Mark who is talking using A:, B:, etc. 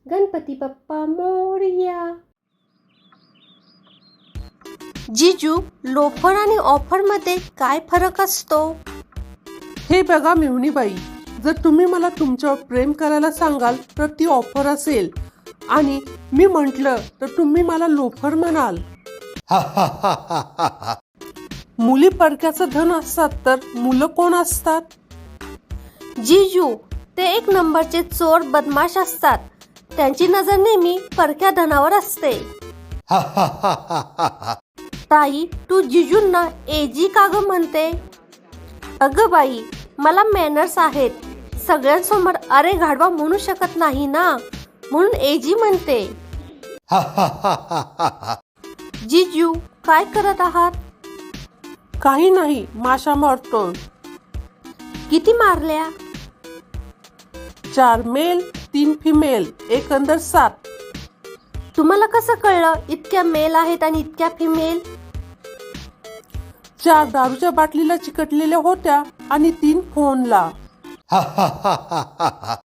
A: गणपती बाप्पा मोरया.
B: जीजू, लोफर आणि ऑफरमध्ये काय फरक असतो?
C: हे बघा मेहुणीबाई, जर तुम्ही मला तुमच्यावर प्रेम करायला सांगाल तर ती ऑफर असेल, आणि मी म्हटलं तर तुम्ही मला लोफर म्हणाल. मुली परक्याचं धन असतात तर मुलं कोण असतात?
B: जीजू, ते एक नंबरचे चोर बदमाश असतात. त्यांची नजर नेहमी परक्या धनावर असते. ताई, तू जीजूंना एजी का ग म्हणते? अगं बाई, मला मॅनर्स आहेत. सगळ्यांसमोर अरे घाडवा म्हणू शकत नाही ना, म्हणून एजी म्हणते. जीजू, काय करत आहात?
C: काही नाही, माशा मारतो.
B: किती मारल्या?
C: 4 मेल 3 फिमेल, एकंदर 7.
B: तुम्हाला कसं कळलं इतक्या मेल आहेत आणि इतक्या फिमेल?
C: 4 दारूच्या बाटलीला चिकटलेल्या होत्या आणि 3 फोनला.